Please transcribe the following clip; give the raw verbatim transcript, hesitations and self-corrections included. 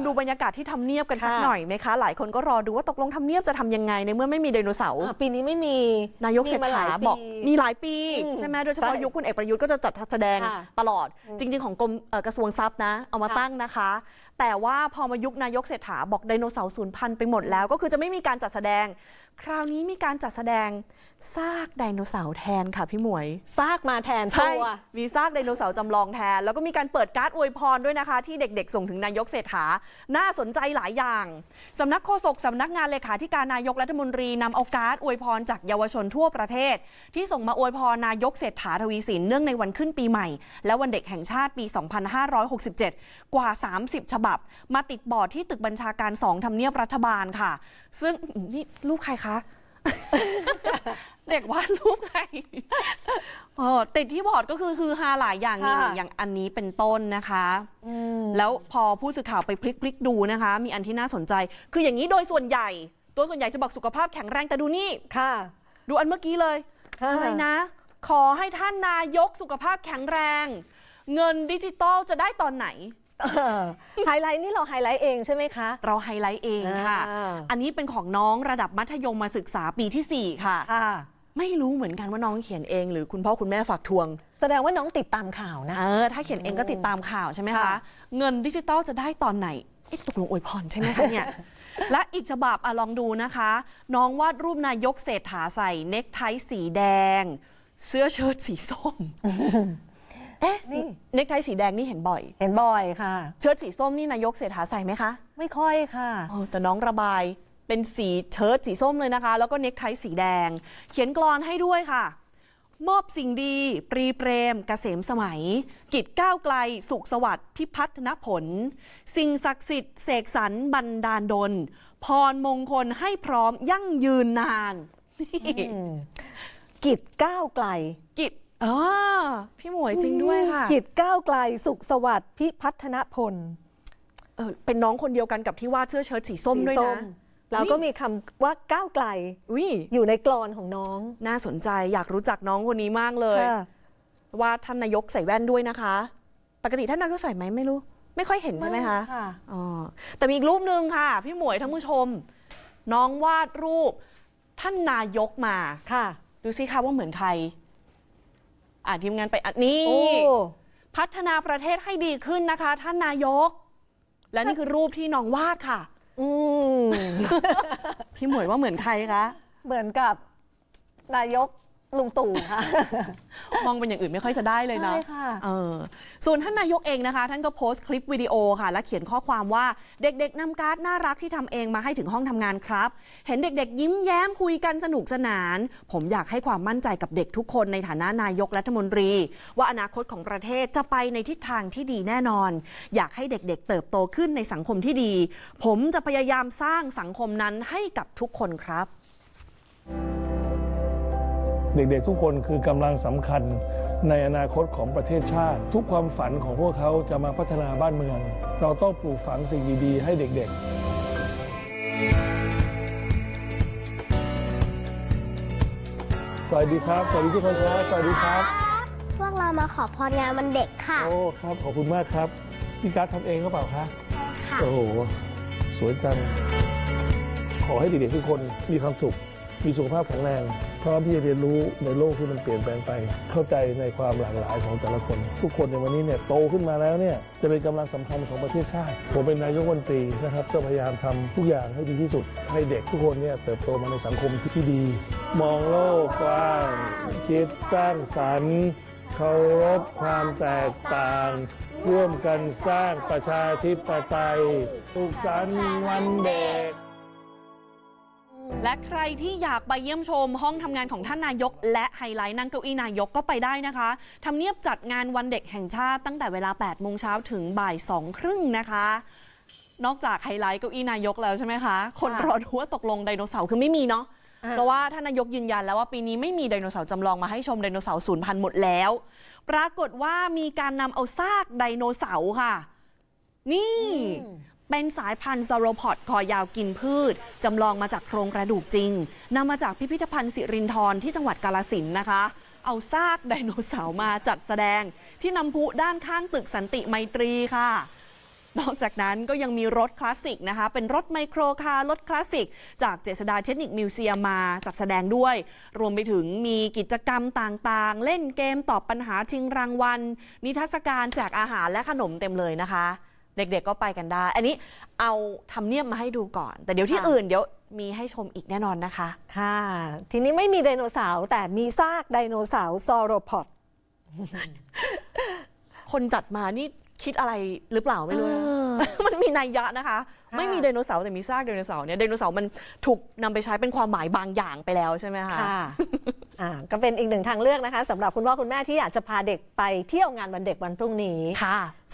ดูบรรยากาศที่ทำเนียบกันสักหน่อยไหมคะหลายคนก็รอดูว่าตกลงทำเนียบจะทำยังไงในเมื่อไม่มีไดโนเสาร์ปีนี้ไม่มีนายกเศรษฐาบอกมีหลายปีใช่ไหมโดยเฉพาะยุคคุณเอกประยุทธ์ก็จะจัดแสดงตลอดจริงๆของกรมกระทรวงทรัพย์นะเอามาตั้งนะคะแต่ว่าพอมายุคนายกเศรษฐาบอกไดโนเสาร์สูญพันธุ์ไปหมดแล้วก็คือจะไม่มีการจัดแสดงคราวนี้มีการจัดแสดงซากไดโนเสาร์แทนค่ะพี่หมวยซากมาแทนใช่มีซากไดโนเสาร์จำลองแทนแล้วก็มีการเปิดการ์ดอวยพรด้วยนะคะที่เด็กๆส่งถึงนายกเศรษฐาน่าสนใจหลายอย่างสำนักโฆษกสำนักงานเลขาธิการนายกรัฐมนตรีนำเอาการ์ดอวยพรจากเยาวชนทั่วประเทศที่ส่งมาอวยพรนายกเศรษฐาทวีสินเนื่องในวันขึ้นปีใหม่และวันเด็กแห่งชาติปีสองพันห้าร้อยหกสิบเจ็ดกว่าสามสิบฉบับมาติดบอร์ดที่ตึกบัญชาการสองทำเนียบรัฐบาลค่ะซึ่งนี่ลูกใครคะเด็กวาดรูปไงติดที่บอร์ดก็คือคือฮาหลายอย่างนี่อย่างอันนี้เป็นต้นนะคะแล้วพอผู้สื่อข่าวไปพลิกพลิกดูนะคะมีอันที่น่าสนใจคืออย่างนี้โดยส่วนใหญ่ตัวส่วนใหญ่จะบอกสุขภาพแข็งแรงแต่ดูนี่ค่ะดูอันเมื่อกี้เลยอะไรนะขอให้ท่านนายกสุขภาพแข็งแรงเงินดิจิตอลจะได้ตอนไหนไฮไลท์นี่เราไฮไลท์เองใช่ไหมคะเราไฮไลท์เองค่ะอันนี้เป็นของน้องระดับมัธยมมาศึกษาปีที่สี่ค่ะไม่รู้เหมือนกันว่าน้องเขียนเองหรือคุณพ่อคุณแม่ฝากทวงแสดงว่าน้องติดตามข่าวนะเออถ้าเขียนเองก็ติดตามข่าวใช่ไหมคะเงินดิจิตอลจะได้ตอนไหนเอ๊ะตกลงอวยพรใช่ไหมคะเนี่ยและอีกฉบับอ่ะลองดูนะคะน้องวาดรูปนายกเศรษฐาใส่เนคไทสีแดงเสื้อเชิ้ตสีส้มเอ๊ะนี่เนคไทสีแดงนี่เห็นบ่อยเห็นบ่อยค่ะเชิ้ตสีส้มนี่นายกเศรษฐาใส่ไหมคะไม่ค่อยค่ะแต่น้องระบายเป็นสีเชิ้ตสีส้มเลยนะคะแล้วก็เนคไทสีแดงเขียนกลอนให้ด้วยค่ะมอบสิ่งดีปรีเปรมเกษมสมัยกิจก้าวไกลสุขสวัสดิ์พิพัฒนผลสิ่งศักดิ์สิทธิ์เสกสรรบันดาลดลพรมงคลให้พร้อมยั่งยืนนานกิจก้าวไกลกิจอ๋อพี่หมวยจริงด้วยค่ะกิจก้าวไกลสุขสวัสดิ์พิพัฒนผลเออเป็นน้องคนเดียวกันกับที่วาดเสื้อเชิ้ตสีส้มด้วยนะแล้วก็มีคำว่าก้าวไกลอยู่ในกลอนของน้องน่าสนใจอยากรู้จักน้องคนนี้มากเลยว่าท่านนายกใส่แว่นด้วยนะคะปกติท่านนายกใส่ไหมไม่รู้ไม่ค่อยเห็นใช่ไหมคะอ๋อแต่มีอีกรูปนึงค่ะพี่หมวยท่านผู้ชมน้องวาดรูปท่านนายกมาค่ะดูสิคะว่าเหมือนใครอ่านทีมงานไปอันนี้พัฒนาประเทศให้ดีขึ้นนะคะท่านนายกและนี่คือรูปที่น้องวาดค่ะอืมพี่หมวยว่าเหมือนใครคะเหมือนกับนายกลุงตู่ค่ะมองเป็นอย่างอื่นไม่ค่อยจะได้เลยนะใช่ค่ะเออส่วนท่านนายกเองนะคะท่านก็โพสต์คลิปวิดีโอค่ะและเขียนข้อความว่าเด็กๆนำการ์ดน่ารักที่ทำเองมาให้ถึงห้องทำงานครับเห็นเด็กๆยิ้มแย้มคุยกันสนุกสนานผมอยากให้ความมั่นใจกับเด็กทุกคนในฐานะนายกรัฐมนตรีว่าอนาคตของประเทศจะไปในทิศทางที่ดีแน่นอนอยากให้เด็กๆเติบโตขึ้นในสังคมที่ดีผมจะพยายามสร้างสังคมนั้นให้กับทุกคนครับเด็กๆทุกคนคือกำลังสำคัญในอนาคตของประเทศชาติทุกความฝันของพวกเขาจะมาพัฒนาบ้านเมืองเราต้องปลูกฝังสิ่งดีๆให้เด็กๆสวัสดีครับสวัสดีทุกคนครับสวัสดีครับพวกเรามาขอพรงานวันเด็กค่ะโอ้ครับขอบคุณมากครับพี่การ์ดทำเองหรือเปล่าคะใช่ค่ะโอ้โหสวยจังขอให้เด็กๆทุกคนมีความสุขมีสุขภาพแข็งแรงพร้อมที่จะเรียนรู้ในโลกที่มันเปลี่ยนแปลงไปเข้าใจในความหลากหลายของแต่ละคนทุกคนในวันนี้เนี่ยโตขึ้นมาแล้วเนี่ยจะเป็นกำลังสำคัญของประเทศชาติผมเป็นนายกรัฐมนตรีนะครับจะพยายามทำทุกอย่างให้ดีที่สุดให้เด็กทุกคนเนี่ยเติบโตมาในสังคมที่ดีมองโลกกว้างคิดสร้างสรรค์เคารพความแตกต่างร่วมกันสร้างประชาธิปไตยสุขสันต์วันเด็กและใครที่อยากไปเยี่ยมชมห้องทำงานของท่านนายกและไฮไลท์นั่งเก้าอี้นายกก็ไปได้นะคะทำเนียบจัดงานวันเด็กแห่งชาติตั้งแต่เวลาแปดโมงเช้าถึงบ่ายสองครึ่งนะคะนอกจากไฮไลท์เก้าอี้นายกแล้วใช่ไหมคะคนรอดูว่าตกลงไดโนเสาร์คือไม่มีเนาะเพราะว่าท่านนายกยืนยันแล้วว่าปีนี้ไม่มีไดโนเสาร์จำลองมาให้ชมไดโนเสาร์สูญพันธุ์หมดแล้วปรากฏว่ามีการนำเอาซากไดโนเสาร์ค่ะนี่เป็นสายพันธุ์ซาโรพอดคอยาวกินพืชจำลองมาจากโครงกระดูกจริงนำมาจากพิพิธภัณฑ์สิรินธรที่จังหวัดกาฬสินธุ์นะคะเอาซากไดโนเสาร์มาจัดแสดงที่น้ำพุด้านข้างตึกสันติไมตรีค่ะนอกจากนั้นก็ยังมีรถคลาสสิกนะคะ เป็นรถไมโครคาร์รถคลาสสิกจากเจษฎาเทคนิคมิวเซียมมาจัดแสดงด้วย รวมไปถึงมีกิจกรรมต่างๆ เล่นเกมตอบปัญหาชิงรางวัล นิทรรศการแจกอาหารและขนมเต็มเลยนะคะ เด็กๆก็ไปกันได้ อันนี้เอาทำเนียบมาให้ดูก่อน แต่เดี๋ยวที่ค่ะอื่นเดี๋ยวมีให้ชมอีกแน่นอนนะคะค่ะ ทีนี้ไม่มีไดโนเสาร์แต่มีซากไดโนเสาร์ซอโรพอดคนจัดมานี่คิดอะไรหรือเปล่าไม่รู้นะเออมันมีนัยยะนะคะค่ะไม่มีไดโนเสาร์แต่มีซากไดโนเสาร์เนี่ยไดโนเสาร์มันถูกนำไปใช้เป็นความหมายบางอย่างไปแล้วใช่ไหมคะค่ะ อ่าก็เป็นอีกหนึ่งทางเลือกนะคะสำหรับคุณพ่อคุณแม่ที่อยากจะพาเด็กไปเที่ยวงานวันเด็กวันพรุ่งนี้ค่ะ